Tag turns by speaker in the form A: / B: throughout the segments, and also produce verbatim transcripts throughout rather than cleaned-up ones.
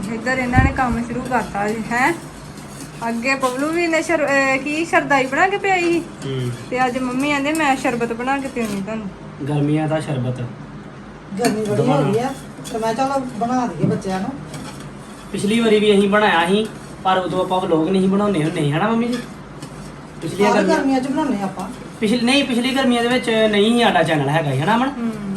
A: ਇੱਧਰ ਇਹਨਾਂ ਨੇ ਕੰਮ ਸ਼ੁਰੂ ਕਰਤਾ ਜੀ ਹੈ। ਅੱਗੇ ਬਬਲੂ ਵੀ ਨੇ ਸ਼ਰ ਕੀ ਸ਼ਰਦਾਈ ਬਣਾ ਕੇ ਪਿਆਈ ਸੀ ਤੇ ਅੱਜ ਮੰਮੀ ਕਹਿੰਦੇ ਮੈਂ ਸ਼ਰਬਤ ਬਣਾ ਕੇ ਪਿਉਣੀ ਤੁਹਾਨੂੰ।
B: ਗਰਮੀਆਂ ਦਾ ਸ਼ਰਬਤ
C: ਗਰਮੀ ਬੜੀ ਹੋ ਗਈ ਆ ਤੇ ਮੈਂ ਚਲੋ ਬਣਾ ਦਈਏ ਬੱਚਿਆਂ ਨੂੰ।
B: ਪਿਛਲੀ ਵਾਰੀ ਵੀ ਅਸੀਂ ਬਣਾਇਆ ਸੀ ਪਰ ਉਦੋਂ ਆਪਾਂ ਵਲੋਗ ਨਹੀਂ ਬਣਾਉਂਦੇ ਹੁੰਦੇ ਹਨਾ ਮੰਮੀ ਜੀ। ਪਿਛਲੀਆਂ
C: ਸਾਰੀ
B: ਗਰਮੀਆਂ
C: ਗਰਮੀਆਂ ਚ ਬਣਾਉਣੇ ਆਪਾਂ।
B: ਪਿਛਲੀ ਨਹੀਂ ਪਿਛਲੀ ਗਰਮੀਆਂ ਦੇ ਵਿੱਚ ਨਹੀਂ ਸੀ ਸਾਡਾ ਚੈਨਲ ਹੈਗਾ ਹਨਾ ਅਮਨ।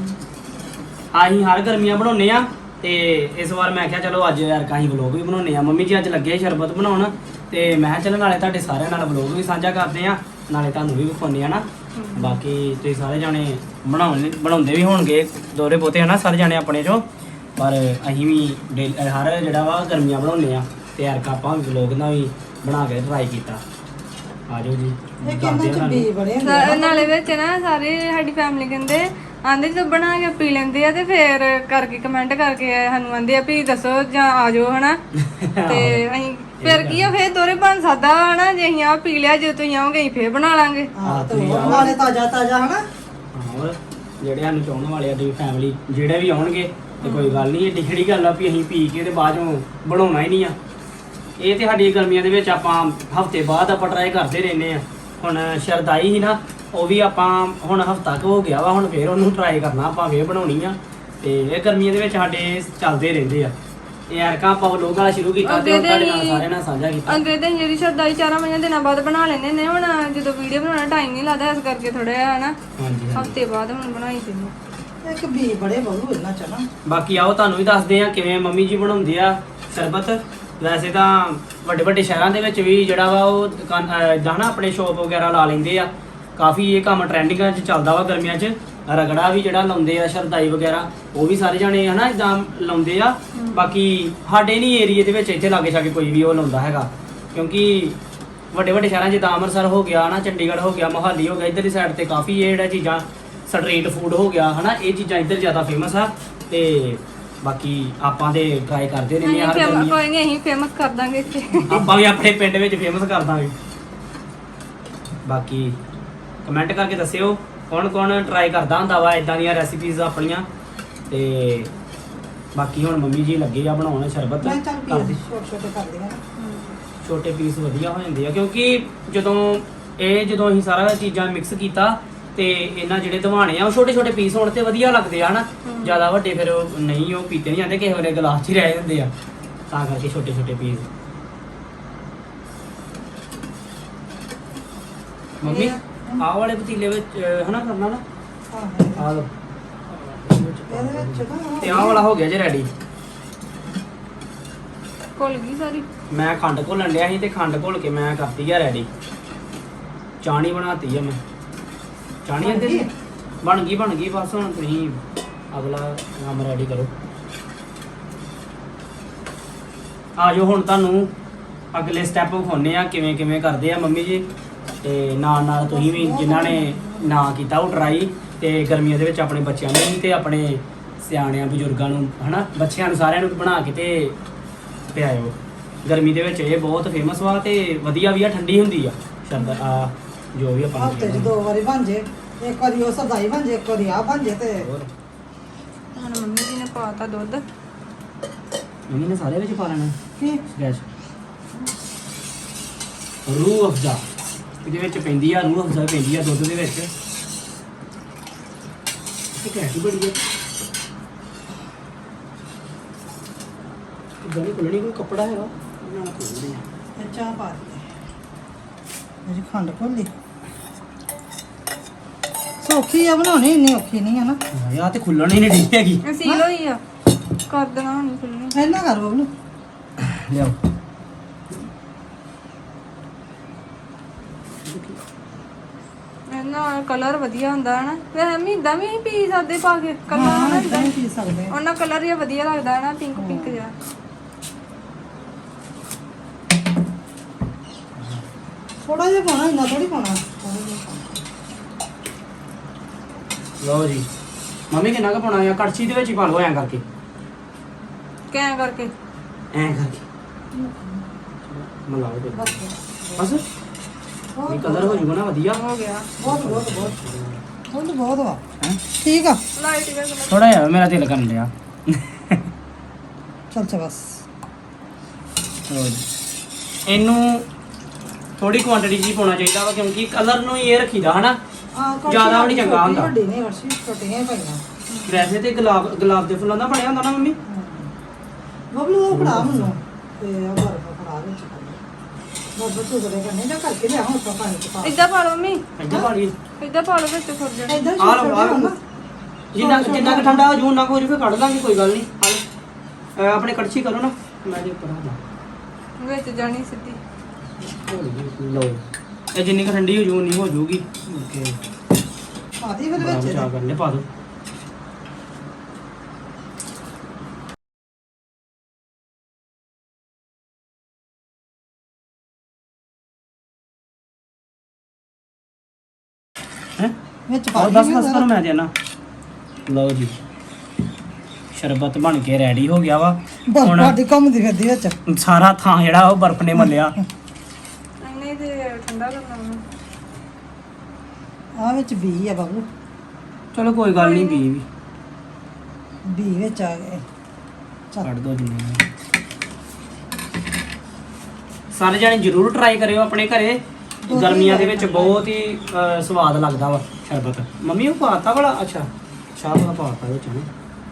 B: ਅਸੀਂ ਹਰ ਗਰਮੀਆਂ ਬਣਾਉਂਦੇ ਆ ਤੇ ਇਸ ਵਾਰ ਮੈਂ ਕਿਹਾ ਚਲੋ ਅੱਜ ਯਾਰ ਕਾਹੀਂ ਵਲੋਗ ਵੀ ਬਣਾਉਂਦੇ ਆ। ਮੰਮੀ ਜੀ ਅੱਜ ਲੱਗੇ ਸ਼ਰਬਤ ਬਣਾਉਣ ਤੇ ਮੈਂ ਕਿਹਾ ਚਲੋ ਨਾਲੇ ਤੁਹਾਡੇ ਸਾਰਿਆਂ ਨਾਲ ਵਲੋਗ ਵੀ ਸਾਂਝਾ ਕਰਦੇ ਆ ਨਾਲੇ ਤੁਹਾਨੂੰ ਵੀ ਵਿਖਾਉਂਦੇ ਆ ਨਾ। ਬਾਕੀ ਤੁਸੀਂ ਸਾਰੇ ਜਾਣੇ ਬਣਾਉਣ ਬਣਾਉਂਦੇ ਵੀ ਹੋਣਗੇ ਦੋਰੇ ਪੋਤੇ ਹਨਾ ਸਾਰੇ ਜਾਣੇ ਆਪਣੇ ਚੋਂ, ਪਰ ਅਸੀਂ ਵੀ ਡੇਲ- ਹਰ ਜਿਹੜਾ ਵਾ ਗਰਮੀਆਂ ਬਣਾਉਂਦੇ ਆ ਤੇ ਯਾਰ ਆਪਾਂ ਵਲੋਗ ਨਾਲ ਵੀ ਬਣਾ ਕੇ ਟਰਾਈ ਕੀਤਾ। ਆ ਜਾਓ ਜੀ
C: ਇਹ
B: ਦੱਸਦੇ
C: ਕਿੰਨਾ
B: ਆ
C: ਚ ਬੀ
B: ਤੁਹਾਨੂੰ।
C: ਬੜੇ ਹੁੰਦੇ ਆ।
A: ਨਾਲੇ ਵਿੱਚ ਨਾ ਸਾਰੇ ਸਾਡੀ ਫੈਮਿਲੀ ਕਹਿੰਦੇ ਆਂਦੇ ਜਦੋਂ ਬਣਾ ਕੇ ਪੀ ਲੈਂਦੇ ਆ ਤੇ ਫੇਰ ਕਰਕੇ ਕਮੈਂਟ ਕਰਕੇ ਸਾਨੂੰ ਆਂਦੇ ਆ ਵੀ ਦੱਸੋ ਜਾਂ ਆ ਜਾਓ ਹਨਾ ਤੇ ਅਸੀਂ ਫਿਰ ਕੀ ਆ ਫੇਰ ਦੋਰੇ ਬਣ ਸਕਦਾ ਹਨਾ ਜੇ ਅਸੀਂ ਆ ਪੀ ਲਿਆ ਜੇ ਤੁਸੀਂ ਆਓਗੇ ਅਸੀਂ ਫੇਰ ਬਣਾ ਲਾਂਗੇ।
C: ਹਾਂ ਤੇ ਉਹ ਨਾਲੇ ਤਾਜ਼ਾ ਤਾਜ਼ਾ ਹਨਾ।
B: ਹੋਰ ਜਿਹੜੇ ਸਾਨੂੰ ਚਾਹਣ ਵਾਲੇ ਆ ਦੀ ਫੈਮਿਲੀ ਜਿਹੜੇ ਵੀ ਆਉਣਗੇ ਤੇ ਕੋਈ ਗੱਲ ਨਹੀਂ ਏਡੀ ਕਿਹੜੀ ਗੱਲ ਆ ਵੀ ਅਸੀਂ ਪੀ ਕੇ ਤੇ ਬਾਅਦ ਚੋਂ ਬਣਾਉਣਾ ਹੀ ਨਹੀਂ ਆ। ਇਹ ਤੇ ਸਾਡੀ ਗਰਮੀਆਂ ਦੇ ਵਿੱਚ ਆਪਾਂ ਹਫਤੇ ਬਾਅਦ ਆਪਾਂ ਟਰਾਈ ਕਰਦੇ ਰਹਿੰਦੇ ਆ। ਹੁਣ ਸ਼ਰਦਾਈ ਸੀ ਨਾ ਉਹ ਵੀ ਆਪਾਂ ਹੁਣ ਹਫਤਾ ਕੁ ਹੋ ਗਿਆ ਵਾ ਹੁਣ ਫੇਰ ਉਹਨੂੰ ਟਰਾਈ ਕਰਨਾ ਆਪਾਂ ਫੇਰ ਬਣਾਉਣੀ ਆ ਤੇ ਇਹ ਗਰਮੀਆਂ ਦੇ ਵਿੱਚ ਸਾਡੇ ਚੱਲਦੇ ਰਹਿੰਦੇ ਆ। ਇਹ ਐਰਕਾ ਆਪਾਂ ਵਲੋਗ ਵਾਲਾ ਸ਼ੁਰੂ ਕੀਤਾ ਤੇ ਉਹ ਤੁਹਾਡੇ ਨਾਲ ਸਾਰਿਆਂ ਨਾਲ ਸਾਂਝਾ ਕੀਤਾ।
A: ਅੰਗਰੇਜ਼ ਦੀ ਜਿਹੜੀ ਸ਼ਰਦਾਈ ਚਾਰਾਂ ਪੰਜਾਂ ਦਿਨਾਂ ਬਾਅਦ ਬਣਾ ਲੈਂਦੇ ਨੇ ਹੁਣ ਜਦੋਂ ਵੀਡੀਓ ਬਣਾਉਣਾ ਟਾਈਮ ਨਹੀਂ ਲੱਗਦਾ ਇਸ ਕਰਕੇ ਥੋੜਾ ਜਿਹਾ ਹਨਾ
B: ਹਾਂਜੀ
A: ਹਫਤੇ ਬਾਅਦ ਹੁਣ ਬਣਾਈ ਸੀ।
C: ਇੱਕ ਬੀ ਬੜੇ ਬਹੂ ਇਹਨਾਂ ਚ ਨਾ।
B: ਬਾਕੀ ਆਓ ਤੁਹਾਨੂੰ ਵੀ ਦੱਸਦੇ ਆ ਕਿਵੇਂ ਮੰਮੀ ਜੀ ਬਣਾਉਂਦੇ ਆ ਸ਼ਰਬਤ। ਵੈਸੇ ਤਾਂ ਵੱਡੇ ਵੱਡੇ ਸ਼ਹਿਰਾਂ ਦੇ ਵਿੱਚ ਵੀ ਜਿਹੜਾ ਵਾ ਉਹ ਦੁਕਾਨ ਇਦਾਂ ਨਾ ਆਪਣੇ ਸ਼ੋਪ ਵਗੈਰਾ ਲਾ ਲੈਂਦੇ ਆ। ਕਾਫੀ ਇਹ ਕੰਮ ਟ੍ਰੈਂਡਿੰਗਾਂ 'ਚ ਚੱਲਦਾ ਵਾ ਗਰਮੀਆਂ 'ਚ। ਰਗੜਾ ਵੀ ਜਿਹੜਾ ਲਾਉਂਦੇ ਆ ਸ਼ਰਦਾਈ ਵਗੈਰਾ ਉਹ ਵੀ ਸਾਰੇ ਜਾਣੇ ਹਨਾ ਇਦਾਂ ਲਾਉਂਦੇ ਆ। ਬਾਕੀ ਸਾਡੇ ਨਹੀਂ ਏਰੀਏ ਦੇ ਵਿੱਚ ਇੱਥੇ ਲਾਗੇ ਛਾਗੇ ਕੋਈ ਵੀ ਉਹ ਲਾਉਂਦਾ ਹੈਗਾ ਕਿਉਂਕਿ ਵੱਡੇ ਵੱਡੇ ਸ਼ਹਿਰਾਂ 'ਚ ਜਿੱਦਾਂ ਅੰਮ੍ਰਿਤਸਰ ਹੋ ਗਿਆ ਨਾ ਚੰਡੀਗੜ੍ਹ ਹੋ ਗਿਆ ਮੋਹਾਲੀ ਹੋ ਗਿਆ ਇੱਧਰਲੀ ਸਾਈਡ ਤੇ ਕਾਫੀ ਇਹ ਜਿਹੜਾ ਚੀਜ਼ਾਂ ਸਟਰੀਟ ਫੂਡ ਹੋ ਗਿਆ ਹਨਾ ਇਹ ਚੀਜ਼ਾਂ ਇੱਧਰ ਜ਼ਿਆਦਾ ਫੇਮਸ ਆ ਤੇ ਬਾਕੀ ਆਪਾਂ ਤੇ ਟਰਾਈ ਕਰਦੇ ਰਹਿੰਦੇ ਆ ਹਰ ਗਰਮੀ।
A: ਕੋਈ ਨਹੀਂ ਅਸੀਂ ਫੇਮਸ ਕਰ ਦਾਂਗੇ ਇੱਥੇ
B: ਆਪਾਂ ਵੀ ਆਪਣੇ ਪਿੰਡ ਵਿੱਚ ਫੇਮਸ ਕਰ ਦਾਂਗੇ। ਬਾਕੀ ਕਮੈਂਟ ਕਰਕੇ ਦੱਸਿਓ ਕੌਣ ਕੌਣ ਟਰਾਈ ਕਰਦਾ ਹੁੰਦਾ ਵਾ ਇਦਾਂ ਦੀਆਂ ਰੈਸਿਪੀਜ਼ ਆਪਣੀਆਂ ਤੇ ਬਾਕੀ ਹੁਣ ਮੰਮੀ ਜੀ ਲੱਗੇ ਆ ਬਣਾਉਣ ਸ਼ਰਬਤ।
C: ਮੈਂ ਚੱਲ ਪੀਸ ਛੋਟੇ ਛੋਟੇ ਕਰ ਦਿਆਂ।
B: ਛੋਟੇ ਪੀਸ ਵਧੀਆ ਹੋ ਜਾਂਦੇ ਆ ਕਿਉਂਕਿ ਜਦੋਂ ਇਹ ਜਦੋਂ ਅਸੀਂ ਸਾਰਾ ਚੀਜ਼ਾਂ ਮਿਕਸ ਕੀਤਾ ਤੇ ਇਹਨਾਂ ਜਿਹੜੇ ਦਵਾਣੇ ਆ ਉਹ ਛੋਟੇ ਛੋਟੇ ਪੀਸ ਹੋਣ ਤੇ ਵਧੀਆ ਲੱਗਦੇ ਆ ਹਨਾ। ਜ਼ਿਆਦਾ ਵੱਡੇ ਫਿਰ ਉਹ ਨਹੀਂ ਉਹ ਪੀਤੇ ਨਹੀਂ ਜਾਂਦੇ ਕਿਸੇ ਵੇਲੇ ਗਲਾਸ 'ਚ ਹੀ ਰਹਿ ਜਾਂਦੇ ਆ ਤਾਂ ਕਰਕੇ ਛੋਟੇ ਛੋਟੇ ਪੀਸ। ਮੰਮੀ ਆਹ ਵਾਲੇ ਪਤੀਲੇ ਵਿੱਚ ਹਨਾ ਕਰਨਾ ਨਾ
C: ਹਾਂ
B: ਆ ਲਓ
C: ਇਹਦੇ ਵਿੱਚ ਨਾ
B: ਤੇ ਆਹ ਵਾਲਾ ਹੋ ਗਿਆ ਜੇ ਰੈਡੀ।
A: ਘੁਲ ਗਈ ਸਾਰੀ।
B: ਮੈਂ ਖੰਡ ਘੋਲਣ ਲਿਆ ਸੀ ਤੇ ਖੰਡ ਘੋਲ ਕੇ ਮੈਂ ਕਰਤੀ ਆ ਰੈਡੀ। ਚਾਣੀ ਬਣਾਤੀ ਆ ਮੈਂ। ਚਾਣੀ ਅੰਦਰ ਬਣ ਗਈ ਬਣ ਗਈ ਬਸ ਹੁਣ ਤੁਸੀਂ ਅਗਲਾ ਕੰਮ ਰੈਡੀ ਕਰੋ। ਆ ਜਾਓ ਹੁਣ ਤੁਹਾਨੂੰ ਅਗਲੇ ਸਟੈਪ ਵਿਖਾਉਂਦੇ ਆ ਕਿਵੇਂ ਕਿਵੇਂ ਕਰਦੇ ਆ ਮੰਮੀ ਜੀ ਤੇ ਨਾਲ ਨਾਲ ਤੁਸੀਂ ਵੀ ਜਿਨ੍ਹਾਂ ਨੇ ਨਾ ਕੀਤਾ ਉਹ ਟਰਾਈ ਤੇ ਗਰਮੀਆਂ ਦੇ ਵਿੱਚ ਆਪਣੇ ਬੱਚਿਆਂ ਨੂੰ ਵੀ ਤੇ ਆਪਣੇ ਸਿਆਣਿਆਂ ਬਜ਼ੁਰਗਾਂ ਨੂੰ ਹਨਾ ਬੱਚਿਆਂ ਨੂੰ ਸਾਰਿਆਂ ਨੂੰ ਬਣਾ ਕੇ ਤੇ ਪਿਆਇਓ। ਗਰਮੀ ਦੇ ਵਿੱਚ ਇਹ ਬਹੁਤ ਫੇਮਸ ਵਾ ਤੇ ਵਧੀਆ ਵੀ ਆ ਠੰਡੀ ਹੁੰਦੀ ਆ ਸ਼ਰਬਤ ਆ ਜੋ ਵੀ ਆਪਾਂ
C: ਹਫ਼ਤੇ ਚ ਦੋ ਵਾਰੀ ਬਣ ਜੇ। ਇੱਕ ਵਾਰੀ ਉਹ ਸਦਾਈ ਬਣ ਜੇ ਇੱਕ ਵਾਰੀ ਆ ਬਣ ਜੇ ਤੇ
B: ਹੋਰ
A: ਹੁਣ ਮੰਮੀ ਜੀ ਨੇ ਪਾਤਾ ਦੁੱਧ।
B: ਮੰਮੀ ਨੇ ਸਾਰੇ ਵਿੱਚ ਪਾ ਲੈਣਾ
C: ਕੀ
B: ਗੈਸ ਰੂਹ ਅਫਜ਼ਾ ਇਹਦੇ ਵਿੱਚ ਪੈਂਦੀ ਆ ਰੂਹ ਅਫਜ਼ਾ ਪੈਂਦੀ ਆ ਦੁੱਧ ਦੇ ਵਿੱਚ। ਇਹ ਕੈਸੀ ਬੜੀ ਹੈ ਗਲੀ ਕੋਲਣੀ ਕੋਈ ਕੱਪੜਾ ਹੈਗਾ ਉਹਨਾਂ ਨਾਲ ਖੋਲਦੇ ਆ।
C: ਇਹ ਚਾਹ ਪਾ ਦੇ। ਮੇਰੀ ਖੰਡ ਘੋਲੀ ਸੌਖੀ ਆ ਬਣਾਉਣੀ ਇੰਨੀ ਔਖੀ ਨਹੀਂ ਹੈ ਨਾ।
B: ਯਾਰ ਤੇ ਖੁੱਲਣ ਹੀ ਨਹੀਂ ਡਈ ਹੈਗੀ।
A: ਸੀਲ ਹੋਈ ਆ ਕਰ ਦੇਣਾ ਹੁਣ ਖੁੱਲਣੀ।
C: ਇਹਨਾਂ ਕਰ ਬਬਲੂ
B: ਲਿਆਓ
A: ਇਹਨਾਂ ਕਲਰ ਵਧੀਆ ਹੁੰਦਾ ਹੈ ਨਾ ਵੈਸੇ ਮੈਂ ਇਦਾਂ ਵੀ ਪੀ ਸਕਦੇ ਪਾ ਕੇ ਕਲਰ
C: ਹਾਂ
A: ਨਾ
C: ਇਦਾਂ ਹੀ ਪੀ ਸਕਦੇ ਆ।
A: ਉਹਨਾਂ ਕਲਰ ਹੀ ਵਧੀਆ ਲੱਗਦਾ ਹੈ ਨਾ ਪਿੰਕ ਪਿੰਕ ਜਿਹਾ।
C: ਥੋੜਾ ਜਿਹਾ ਪਾਉਣਾ ਇੰਨਾ ਥੋੜੀ ਪਾਉਣਾ ਥੋੜਾ ਜਿਹਾ ਪਾਉਣਾ।
B: ਲਓ ਜੀ ਮੰਮੀ ਕਿੰਨਾ ਕੁ ਪਾਉਣਾ ਆ ਕੜਛੀ ਦੇ ਵਿੱਚ ਹੀ ਪਾ ਲਓ ਐਂ ਕਰਕੇ
A: ਕਿਵੇਂ ਕਰਕੇ
B: ਐਂ ਕਰਕੇ ਮਲਾਓ ਦੇ
C: ਬਸ
B: ਬਸ ਇਹ ਕਲਰ ਹੋ ਜੂਗਾ ਨਾ ਵਧੀਆ।
A: ਹੋ ਗਿਆ
C: ਬਹੁਤ ਬਹੁਤ ਬਹੁਤ ਬਹੁਤ ਬਹੁਤ ਵਾ
B: ਹੈਂ?
C: ਠੀਕ ਆ
A: ਲਾਈਟ ਜਿਹਾ ਕਲਰ।
B: ਥੋੜਾ ਜਿਹਾ ਮੇਰਾ ਦਿਲ ਕਰਨ ਲਿਆ।
C: ਚੱਲ ਚਾ ਬਸ
B: ਲਓ ਜੀ। ਇਹਨੂੰ ਥੋੜੀ ਕੁਆਂਟੀਟੀ ਜੀ ਪਾਉਣਾ ਚਾਹੀਦਾ ਵਾ ਕਿਉਂਕਿ ਕਲਰ ਨੂੰ ਹੀ ਇਹ ਰੱਖੀਦਾ ਹਨਾ
C: ਹਾਂ ਕੜਛੀ
B: ਜ਼ਿਆਦਾ ਵੀ ਨਹੀਂ ਚੰਗਾ
C: ਛੋਟੀ
B: ਹੁੰਦਾ।
C: ਵੱਡੀ ਨਹੀਂ ਕੜਛੀ ਛੋਟੀਆਂ ਹੀ ਪਈਆਂ।
B: ਵੈਸੇ ਤੇ ਗੁਲਾਬ ਗੁਲਾਬ ਦੇ ਫੁੱਲਾਂ ਦਾ ਬਣਿਆ ਹੁੰਦਾ ਨਾ ਮੰਮੀ।
C: ਬਬਲੂ ਉਹ ਫੜਾ ਮੈਨੂੰ ਤੇ ਆ ਬਰਫ ਫੜਾ ਵਿੱਚ ਬਬਲੂ ਤੂੰ ਕਰੇ ਕਰਨੇ ਜਾਂ ਕਰਕੇ ਲਿਆ ਹੁਣ ਤਾਂ ਪਾਣੀ ਚ ਪਾ
A: ਇਦਾਂ ਪਾ ਲਓ ਮੰਮੀ
B: ਇੱਦਾਂ ਪਾ ਲਈ
A: ਇਦਾਂ ਪਾ ਲਓ ਵਿੱਚ ਖੁਰ ਜਾ
C: ਇਧਰ
B: ਆ ਲਓ ਆ ਲਓ ਜਿੰਨਾ ਜਿੰਨਾ ਕੁ ਠੰਡਾ ਹੋ ਜੂ ਨਾ ਹੋ ਜੂ ਫਿਰ ਕੱਢ ਦਾਂਗੇ ਕੋਈ ਗੱਲ ਨਹੀਂ ਆ ਲਓ। ਅਹ ਆਪਣੇ ਕੜਛੀ ਕਰੋ ਨਾ ਮੈਂ ਦੇ ਉੱਪਰ ਆ
A: ਵਿੱਚ ਜਾਣੀ ਸਿੱਧੀ
B: ਲਓ ਇਹ ਜਿੰਨੀ ਕੁ ਠੰਡੀ ਹੋ ਜੂ ਉਨੀ ਹੋ ਜੂਗੀ ਓਕੇ
C: ਆਦੀ ਫਿਰ
B: ਬੜਾ
C: ਵਿੱਚ
B: ਬਚਾ ਕਰਨੇ ਪਾ ਦੋ ਹੈ
C: ਵਿੱਚ ਪਾ
B: ਆਹ ਬਸ ਬਸ ਕਰੋ ਮੈਂ ਦੇਣਾ ਲਓ ਜੀ ਸ਼ਰਬਤ ਬਣ ਕੇ ਰੈਡੀ ਹੋ ਗਿਆ ਵਾ
C: ਬਰਫ
B: ਹੁਣ
C: ਆਦੀ ਘੁੰਮਦੀ ਫਿਰਦੀ ਵਿੱਚ
B: ਸਾਰਾ ਥਾਂ ਜਿਹੜਾ ਉਹ ਬਰਫ਼ ਨੇ ਮੱਲਿਆ
A: ਨਹੀਂ ਤੇ ਠੰਡਾ ਕਰਨਾ ਉਹਨੂੰ
C: ਆ ਵਿੱਚ ਬੀ ਆ ਬਬਲੂ
B: ਚਲੋ ਕੋਈ ਗੱਲ ਨਹੀਂ ਪੀ ਵੀ
C: ਬੀ ਵਿੱਚ ਆ ਗਏ ਚੱਲ
B: ਕੱਢ ਦੋ ਜਿੰਨੇ ਸਾਰੇ ਜਾਣੇ ਜਰੂਰ ਟਰਾਈ ਕਰਿਓ ਆਪਣੇ ਘਰੇ ਗਰਮੀਆਂ ਦੇ ਵਿੱਚ ਬਹੁਤ ਹੀ ਅਹ, ਸਵਾਦ ਲੱਗਦਾ ਵਾ ਸ਼ਰਬਤ ਮੰਮੀ ਉਹ ਪਾਤਾ ਬੜਾ ਅੱਛਾ ਚਾਹ ਵਾਲਾ ਪਾਤਾ ਵਿੱਚ ਨੇ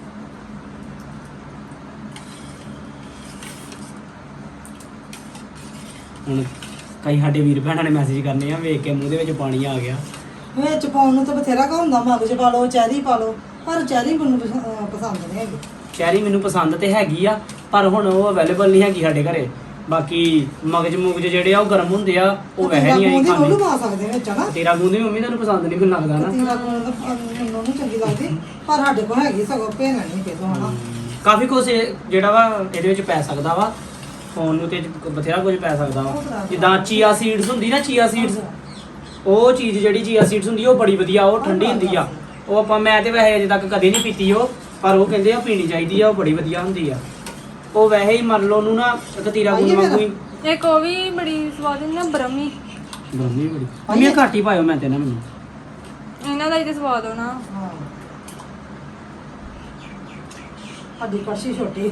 B: ਹੁਣ ਕਈ ਸਾਡੇ ਵੀਰ ਭੈਣਾਂ ਨੇ ਮੈਸੇਜ ਕਰਨੇ ਆ ਵੇਖ ਕੇ ਮੂੰਹ ਦੇ ਵਿੱਚ ਪਾਣੀ ਆ ਗਿਆ
C: ਵਿੱਚ ਪਾਉਣ ਨੂੰ ਤਾਂ ਬਥੇਰਾ ਕਾ ਹੁੰਦਾ ਮਗਜ ਪਾ ਲਓ ਚੈਰੀ ਪਾ ਲਓ ਪਰ ਚੈਰੀ ਮੈਨੂੰ ਪਸ- ਅਹ ਪਸੰਦ ਨਹੀਂ ਹੈਗੀ
B: ਚੈਰੀ ਮੈਨੂੰ ਪਸੰਦ ਤੇ ਹੈਗੀ ਆ ਪਰ ਹੁਣ ਉਹ ਅਵੇਲੇਬਲ ਨਹੀਂ ਹੈਗੀ ਸਾਡੇ ਘਰੇ ਬਾਕੀ ਮਗਜ ਮੁਗਜ ਜਿਹੜੇ ਆ ਉਹ ਗਰਮ ਹੁੰਦੇ ਆ ਉਹ ਵੈਸੇ ਨਹੀਂ ਆਈ
C: ਉਹਦੀ ਉਹਨੂੰ
B: ਖਾਣੀ
C: ਪਾ ਸਕਦੇ ਵਿੱਚ ਹਨਾ
B: ਤੇਰਾ ਗੂੰਦ ਵੀ ਮੰਮੀ ਤੁਹਾਨੂੰ ਪਸੰਦ ਨਹੀਂ ਮੈਨੂੰ ਲੱਗਦਾ ਨਾ
C: ਤੀਰਾ ਕੋਲ ਤਾਂ ਮੈਨੂੰ ਨਹੀਂ ਚੰਗੀ ਲੱਗਦੀ ਪਰ ਸਾਡੇ ਕੋਲ ਹੈਗੀ ਸਗੋਂ ਭੇਨ ਨਹੀਂ ਕਿਦੋਂ ਹਨਾ
B: ਕਾਫੀ ਕੁਝ ਜਿਹੜਾ ਵਾ ਇਹਦੇ ਵਿੱਚ ਪੈ ਸਕਦਾ ਵਾ ਫੋਨ ਨੂੰ ਤੇ ਬਥੇਰਾ ਕੁਝ ਪੈ ਸਕਦਾ ਵਾ ਜਿੱਦਾਂ ਚੀਆ ਸੀਡਸ ਹੁੰਦੀ ਨਾ ਚੀਆ ਸੀਡਸ ਉਹ ਚੀਜ਼ ਜਿਹੜੀ ਚੀਆ ਸੀਡਸ ਹੁੰਦੀ ਉਹ ਬੜੀ ਵਧੀਆ ਉਹ ਠੰਡੀ ਹੁੰਦੀ ਆ ਉਹ ਆਪਾਂ ਮੈਂ ਤੇ ਵੈਸੇ ਅਜੇ ਤੱਕ ਕਦੇ ਨਹੀਂ ਪੀਤੀ ਉਹ ਪਰ ਉਹ ਕਹਿੰਦੇ ਆ ਪੀਣੀ ਚਾਹੀਦੀ ਆ ਉਹ ਬੜੀ ਵਧੀਆ ਹੁੰਦੀ ਆ ਉਹ ਵੈਸੇ ਹੀ ਮੰਨ ਲਓ ਉਹਨੂੰ ਨਾ ਕਤੀਰਾ ਗੁੰਦ ਵਾਂਗੂ ਹੀ
A: ਇੱਕ ਉਹ ਵੀ ਬੜੀ ਸਵਾਦ ਹੁੰਦੀ ਨਾ ਬਰਮੀ
B: ਬਰਮੀ ਬੜੀ ਮੰਮੀ ਇਹ ਘੱਟ ਹੀ ਪਾਇਓ ਮੈਂ ਤੇ ਨਾ ਮੈਨੂੰ
A: ਇਹਨਾਂ ਦਾ ਹੀ ਤੇ ਸਵਾਦ ਹੋਣਾ
C: ਹਾਂ ਸਾਡੀ ਕੜਛੀ ਛੋਟੀ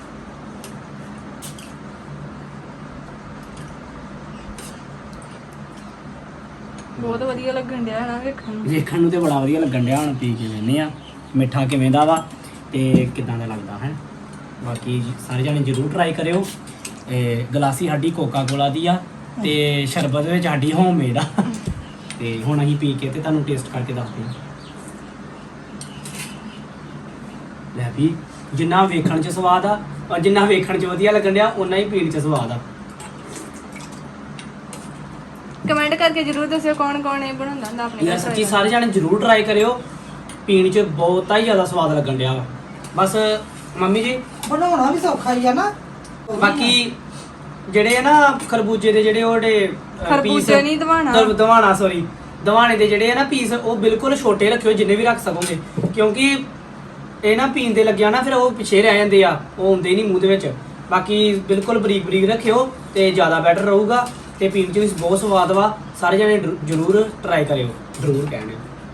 A: ਬਹੁਤ ਵਧੀਆ ਲੱਗਣ ਡਿਆ ਨਾ ਵੇਖਣ ਨੂੰ
B: ਵੇਖਣ ਨੂੰ ਤੇ ਬੜਾ ਵਧੀਆ ਲੱਗਣ ਡਿਆ ਹੁਣ ਪੀ ਕੇ ਵੇਖਨੇ ਆ ਮਿੱਠਾ ਕਿਵੇਂ ਦਾ ਵਾ ਤੇ ਕਿਦਾਂ ਦਾ ਲੱਗਦਾ ਹੈ ਬਾਕੀ ਜੀ ਸਾਰੇ ਜਾਣੇ ਜਰੂਰ ਟਰਾਈ ਕਰਿਓ ਇਹ ਗਲਾਸੀ ਸਾਡੀ ਕੋਕਾ ਕੋਲਾ ਦੀ ਆ ਤੇ ਸ਼ਰਬਤ ਵਿੱਚ ਸਾਡੀ ਹੋਮਮੇਡ ਆ ਤੇ ਹੁਣ ਅਸੀਂ ਪੀ ਕੇ ਤੇ ਤੁਹਾਨੂੰ ਟੇਸਟ ਕਰਕੇ ਦੱਸਦੇ ਹਾਂ ਲੈ ਵੀ ਜਿੰਨਾ ਵੇਖਣ 'ਚ ਸਵਾਦ ਆ ਔਰ ਜਿੰਨਾ ਵੇਖਣ 'ਚ ਵਧੀਆ ਲੱਗਣ ਡਿਆ ਉਨਾ ਹੀ ਪੀਣ 'ਚ ਸਵਾਦ ਆ
A: ਕਮੈਂਟ ਕਰਕੇ ਜਰੂਰ ਦੱਸਿਓ ਕੌਣ ਕੌਣ ਇਹ ਬਣਾਉਂਦਾ ਹੁੰਦਾ ਆਪਣੇ
B: ਯਾਰ
A: ਘਰ
B: ਸੱਚੀ ਸਾਰੇ ਜਾਣੇ ਜਰੂਰ ਟਰਾਈ ਕਰਿਓ ਪੀਣ 'ਚ ਬਹੁਤ ਹੀ ਜ਼ਿਆਦਾ ਸਵਾਦ ਲੱਗਣ ਡਿਆ ਵਾ ਬਸ ਮੰਮੀ ਜੀ
C: ਬਣਾਉਣਾ ਵੀ ਸੌਖਾ ਹੀ ਆ ਨਾ
B: ਬਾਕੀ ਜਿਹੜੇ ਆ ਨਾ ਖਰਬੂਜੇ ਦੇ ਜਿਹੜੇ ਉਹਦੇ
A: ਖਰਬੂਜੇ ਨਹੀਂ ਦਵਾਣਾ
B: ਦਵਾਣਾ ਸੌਰੀ ਦਵਾਣੇ ਦੇ ਜਿਹੜੇ ਆ ਨਾ ਪੀਸ ਉਹ ਬਿਲਕੁਲ ਛੋਟੇ ਰੱਖਿਓ ਜਿੰਨੇ ਵੀ ਰੱਖ ਸਕੋਗੇ ਕਿਉਂਕਿ ਇਹ ਨਾ ਪੀਣ ਦੇ ਲੱਗਿਆ ਨਾ ਫਿਰ ਉਹ ਪਿਛੇ ਰਹਿ ਜਾਂਦੇ ਆ ਉਹ ਹੁੰਦੇ ਨਹੀਂ ਮੂੰਹ ਦੇ ਵਿੱਚ ਬਾਕੀ ਬਿਲਕੁਲ ਬਰੀਕ ਬਰੀਕ ਰੱਖਿਓ ਤੇ ਜ਼ਿਆਦਾ ਬੈਟਰ ਰਹੂਗਾ ਤੇ ਪੀਣ 'ਚ ਵੀ ਬਹੁਤ ਸਵਾਦ ਵਾ ਸਾਰੇ ਜਣੇ ਜਰੂਰ ਟਰਾਈ ਕਰਿਓ ਜਰੂਰ ਕਹਿਣੇ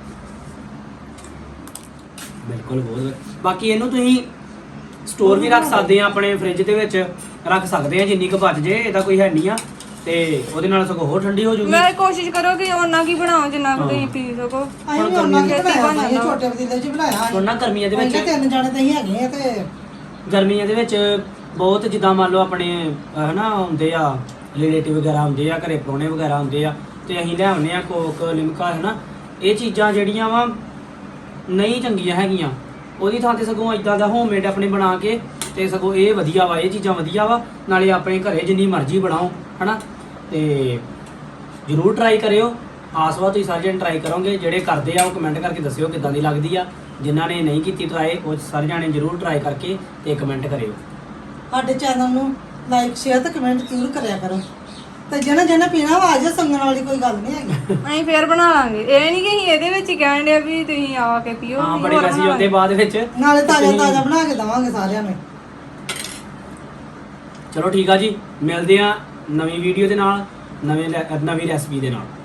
B: ਬਿਲਕੁਲ ਬਹੁਤ ਬਾਕੀ ਇਹਨੂੰ ਤੁਸੀਂ ਸਟੋਰ ਵੀ ਰੱਖ ਸਕਦੇ ਆ ਆਪਣੇ ਫ੍ਰਿਜ ਦੇ ਵਿੱਚ ਰੱਖ ਸਕਦੇ ਆ ਜਿੰਨੀ ਕੁ ਬਚ ਜੇ ਇਹਦਾ ਕੋਈ ਹੈ ਨਹੀਂ ਆ ਤੇ ਉਹਦੇ ਨਾਲ ਸਗੋਂ ਹੋਰ ਠੰਡੀ ਹੋ ਜੂਗੀ
A: ਮੈਂ ਕੋਸ਼ਿਸ਼ ਕਰੋ ਕਿ ਉਹਨਾਂ ਕੀ ਬਣਾਓ ਜਿੰਨਾ ਕੁ ਤੁਸੀਂ ਪੀ ਸਕੋ
C: ਅਸੀਂ ਵੀ ਉਹਨਾਂ ਕੀ ਬਣਾਇਆ ਸੀ ਛੋਟੇ ਪਤੀਲੇ 'ਚ ਬਣਾਇਆ
B: ਹੁਣ ਨਾ ਗਰਮੀਆਂ ਦੇ ਵਿੱਚ
C: ਅਸੀਂ ਤਿੰਨ ਜਾਣੇ ਤਾਂ ਹੀ ਹੈਗੇ ਆ ਤੇ
B: ਗਰਮੀਆਂ ਦੇ ਵਿੱਚ ਬਹੁਤ ਜਿੱਦਾਂ ਮੰਨ ਲਓ ਆਪਣੇ ਅਹ ਹਨਾ ਹੁੰਦੇ ਆ ਰਿਲੇਟਿਵ ਵਗੈਰਾ ਹੁੰਦੇ ਆ ਘਰੇ ਪ੍ਰਾਹੁਣੇ ਵਗੈਰਾ ਹੁੰਦੇ ਆ ਤੇ ਅਸੀਂ ਲਿਆਉਂਦੇ ਆ ਕੋਕ ਲਿਮਕਾ ਹਨਾ ਇਹ ਚੀਜ਼ਾਂ ਜਿਹੜੀਆਂ ਵਾ ਨਹੀਂ ਚੰਗੀਆਂ ਹੈਗੀਆਂ ਉਹਦੀ ਥਾਂ ਤੇ ਸਗੋਂ ਇਦਾਂ ਦਾ ਹੋਮਮੇਡ ਆਪਣੇ ਬਣਾ ਕੇ ਤੇ ਸਗੋਂ ਇਹ ਵਧੀਆ ਵਾ ਇਹ ਚੀਜ਼ਾਂ ਵਧੀਆ ਵਾ ਨਾਲੇ ਆਪਣੇ ਘਰੇ ਜਿੰਨੀ ਮਰਜ਼ੀ ਬਣਾਓ ਹਨਾ ਤੇ ਜਰੂਰ ਟਰਾਈ ਕਰਿਓ ਆਸਵਾ ਤੁਸੀਂ ਸਾਰੇ ਜਣੇ ਟਰਾਈ ਕਰੋਗੇ ਜਿਹੜੇ ਕਰਦੇ ਆ ਉਹ ਕਮੈਂਟ ਕਰਕੇ ਦੱਸਿਓ ਕਿੱਦਾਂ ਦੀ ਲੱਗਦੀ ਆ ਜਿਨ੍ਹਾਂ ਨੇ ਨਹੀਂ ਕੀਤੀ ਟਰਾਈ ਉਹ ਸਾਰੇ ਜਾਣੇ ਜਰੂਰ ਟਰਾਈ ਕਰਕੇ ਤੇ ਕਮੈਂਟ ਕਰਿਓ
C: ਸਾਡੇ ਚੈਨਲ ਨੂੰ ਲਾਈਕ ਸ਼ੇਅਰ ਤੇ ਕਮੈਂਟ ਜ਼ਰੂਰ ਕਰਿਆ ਕਰੋ ਤੇ ਜਿਹਨਾਂ ਜਿਹਨਾਂ ਪੀਣਾ ਵਾ ਆ ਜਾ ਸੰਗਣ ਵਾਲੀ ਕੋਈ ਗੱਲ ਨਹੀਂ ਹੈਗੀ
A: ਅਸੀਂ ਫੇਰ ਬਣਾ ਲਾਂਗੇ ਇਹ ਨਹੀਂ ਕਿ ਅਸੀਂ ਇਹਦੇ ਵਿੱਚ ਹੀ ਕਹਿਣ ਡਿਆ ਵੀ ਤੁਸੀਂ ਆ ਕੇ ਪੀਓ
B: ਹਾਂ
A: ਅਸੀਂ
B: ਬੜੇ
A: ਹੋਰ
B: ਮੈਸੇਜ
A: ਬਣਾ
B: ਆਉਂਦੇ ਬਾਅਦ ਵਿੱਚ
C: ਨਾਲੇ ਤਾਜ਼ਾ
B: ਤੁਸੀਂ-
C: ਤਾਜ਼ਾ ਬਣਾ ਕੇ ਦਵਾਂਗੇ ਸਾਰਿਆਂ ਨੂੰ
B: ਚਲੋ ਠੀਕ ਆ ਜੀ ਮਿਲਦੇ ਆ ਨਵੀਂ ਵੀਡੀਓ ਦੇ ਨਾਲ ਨਵੇਂ ਰੈ- ਨਵੀਂ ਰੈਸਪੀ ਦੇ ਨਾਲ